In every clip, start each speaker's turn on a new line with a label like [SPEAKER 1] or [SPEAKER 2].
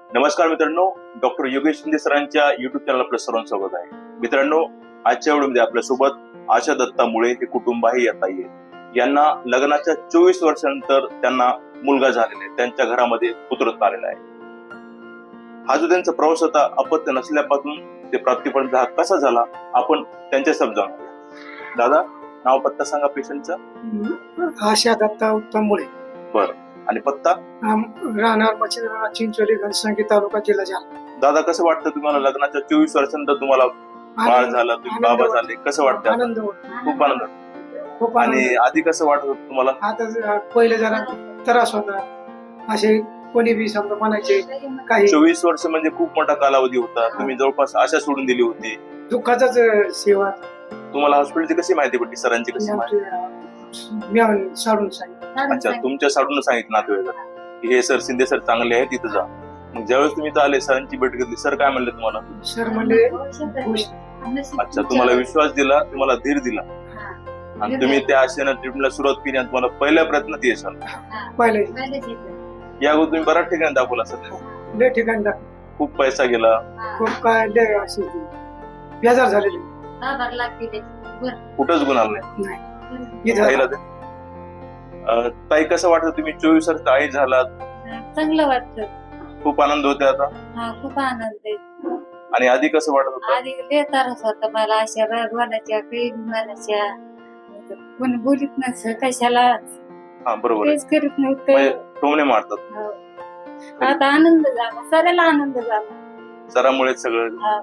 [SPEAKER 1] नमस्कार मित्रांनो, डॉक्टर योगेश शिंदे सरांच्या युट्यूब चॅनल आपलं सर्वांचं स्वागत आहे. मित्रांनो, आजच्या व्हिडिओमध्ये आपल्यासोबत आशा दत्तामुळे हे कुटुंबही येत आहे. यांना लग्नाच्या 24 वर्षानंतर त्यांना मुलगा झालेला आहे. त्यांच्या घरामध्ये पुत्ररत्न आलेला आहे. हा जो त्यांचा प्रवास होता अपत्य नसल्यापासून ते प्राप्तीपर्यंत हा कसा झाला आपण त्यांच्या शब्द जाणूया. दादा, नाव पत्ता सांगा पेशंटचा.
[SPEAKER 2] आशा दत्ता उत्तममुळे.
[SPEAKER 1] बरं. आणि पत्ता?
[SPEAKER 2] राहणार मच्छिंद्रनाथ चिंचोली घनसांगी तालुका जिल्हा जालना.
[SPEAKER 1] दादा, कसं वाटतं तुम्हाला लग्नाच्या 24 वर्षानंतर तुम्हाला बाळ झाला, तुम्ही बाबा झाले, कसं वाटतं?
[SPEAKER 2] आनंद
[SPEAKER 1] खूप आनंद.
[SPEAKER 2] खूप
[SPEAKER 1] आणि आधी कसं वाटत होतं तुम्हाला?
[SPEAKER 2] आता पहिले जरा त्रास होता, असे कोणी बी समजा म्हणायचे काही.
[SPEAKER 1] 24 वर्ष म्हणजे खूप मोठा कालावधी होता. तुम्ही जवळपास आशा सोडून दिली होती.
[SPEAKER 2] दुःखाचाच सेवा.
[SPEAKER 1] तुम्हाला हॉस्पिटलची कशी माहिती पडली, सरांची कशी माहिती?
[SPEAKER 2] मी साडून सांगितलं.
[SPEAKER 1] अच्छा, तुमच्या साडून सांगितलं नातेवाईकांना की हे सर शिंदे सर चांगले आहेत, तिथं जा. मग ज्यावेळेस तुम्ही इथं आले, सरांची भेट घेतली, सर काय म्हणले तुम्हाला?
[SPEAKER 2] सर म्हणले
[SPEAKER 1] अच्छा, तुम्हाला विश्वास दिला, तुम्हाला धीर दिला आणि तुम्ही त्या आशेनं ट्रीटमेंटला सुरुवात केली आणि तुम्हाला पहिल्या प्रयत्नात यश आलं.
[SPEAKER 2] पहिले
[SPEAKER 1] या अगोदर तुम्ही बऱ्याच ठिकाणी दाखवला सर.
[SPEAKER 2] लय ठिकाणी
[SPEAKER 1] खूप पैसा गेला,
[SPEAKER 2] खूप काय लय असे बेजार झालेले.
[SPEAKER 1] कुठंच गुण आला नाही.
[SPEAKER 2] इथं
[SPEAKER 1] ताई, कसं वाटतं तुम्ही 24 वर्ष आई झालात?
[SPEAKER 3] चांगलं वाटतं.
[SPEAKER 1] खूप आनंद होते आता.
[SPEAKER 3] हा, खूप आनंद आहे.
[SPEAKER 1] आणि आधी कसं वाटत होतं?
[SPEAKER 3] आधी लय त्रास होता मला, अशा बोलायच्या काही म्हणायच्या, कोणी बोलीत नसतं कशाला,
[SPEAKER 1] हा, बरोबर आहे.
[SPEAKER 3] तेच करीत
[SPEAKER 1] म्हणजे
[SPEAKER 3] नव्हतं.
[SPEAKER 1] टोमणे मारतात.
[SPEAKER 3] हो. आता आनंद झाला, सगळ्याला आनंद झाला.
[SPEAKER 1] सरामुळे सगळं.
[SPEAKER 3] हा.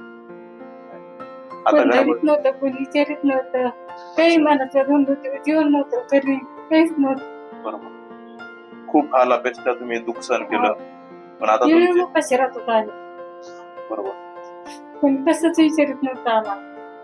[SPEAKER 1] आता
[SPEAKER 3] कोण
[SPEAKER 1] घरामध्ये
[SPEAKER 3] धरीत नव्हतं, कोणी विचारित नव्हतं, काही मनाचं धंदोती जीवन नव्हतं, कधी काहीच नव्हतं.
[SPEAKER 1] बरोबर. खूप हाल अपेक्षा तुम्ही दुःख सहन केलं, पण आता
[SPEAKER 3] येऊन
[SPEAKER 1] तुमचे
[SPEAKER 3] कशी राहत होता आम्ही,
[SPEAKER 1] बरोबर.
[SPEAKER 3] कोणी कसंच विचारित नव्हतं आम्हाला.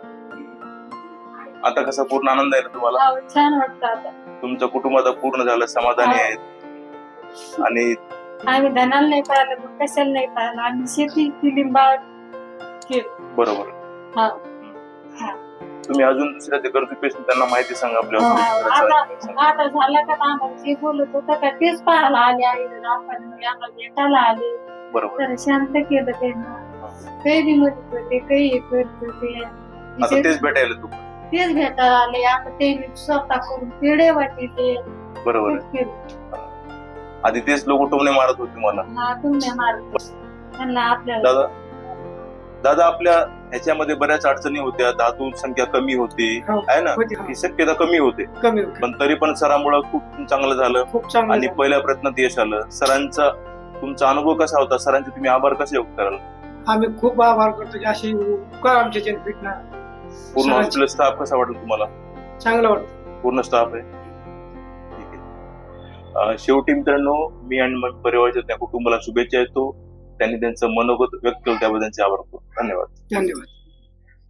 [SPEAKER 1] आता कसा पूर्ण आनंद आहे ना तुम्हाला?
[SPEAKER 3] हा, छान वाटतं आता.
[SPEAKER 1] तुमचं कुटुंब आता पूर्ण झालं, समाधानी
[SPEAKER 3] हा.
[SPEAKER 1] आहेत. आणि
[SPEAKER 3] आम्ही धनाला नाही पाहिलं, मग कशाला नाही पाहिलं, आम्ही शेती केली, बाळ केलं.
[SPEAKER 1] बरोबर.
[SPEAKER 3] हा.
[SPEAKER 1] तुम्ही अजून दुसऱ्या जे गरजू पेशंट त्यांना माहिती सांगा आपल्या
[SPEAKER 3] हा,
[SPEAKER 1] हॉस्पिटलची.
[SPEAKER 3] आता झाला का आम्हाला जे बोलत होतं का तेच पाहायला आले आहे, आपण आम्हाला भेटायला आले,
[SPEAKER 1] बरोबर.
[SPEAKER 3] तर शांत केलं त्यांना. काही बी मदत होते, काही हे करत होते,
[SPEAKER 1] आता तेच भेटायला तू.
[SPEAKER 3] तेच भेटायला आले. आता ते स्वतः करून पेढे वाटले.
[SPEAKER 1] बरोबर आहे. आधी तेच लोक टोमणे मारत होते मला.
[SPEAKER 3] हा, तुम्ही मारत त्यांना आपल्याला.
[SPEAKER 1] दादा, आपल्या ह्याच्यामध्ये बऱ्याच अडचणी होत्या. धातू संख्या कमी होती,
[SPEAKER 2] हो.
[SPEAKER 1] आहे ना,
[SPEAKER 2] होती.
[SPEAKER 1] ही शक्यता कमी होते,
[SPEAKER 2] कमी
[SPEAKER 1] पण तरी पण सरांमुळे खूप चांगलं झालं
[SPEAKER 2] खूप चांगलं
[SPEAKER 1] आणि
[SPEAKER 2] झालं.
[SPEAKER 1] पहिल्या प्रयत्नात यश आलं. सरांचा तुमचा अनुभव कसा होता? सरांचे तुम्ही आभार कसे व्यक्त कराल?
[SPEAKER 2] आम्ही खूप आभार करतो की अशी उपकार आमच्या जन भेटणार.
[SPEAKER 1] पूर्ण
[SPEAKER 2] सरांचे.
[SPEAKER 1] हॉस्पिटल स्टाफ कसा वाटलं तुम्हाला?
[SPEAKER 2] चांगलं वाटतं.
[SPEAKER 1] पूर्ण स्टाफ आहे. ठीक आहे. शेवटी मित्रांनो, मी आणि माझ्या परिवाराच्या त्या कुटुंबाला शुभेच्छा देतो. त्यांनी त्यांचं मनोगत व्यक्त केलं त्याबद्दल त्यांचे आभार करतो. धन्यवाद.
[SPEAKER 2] धन्यवाद.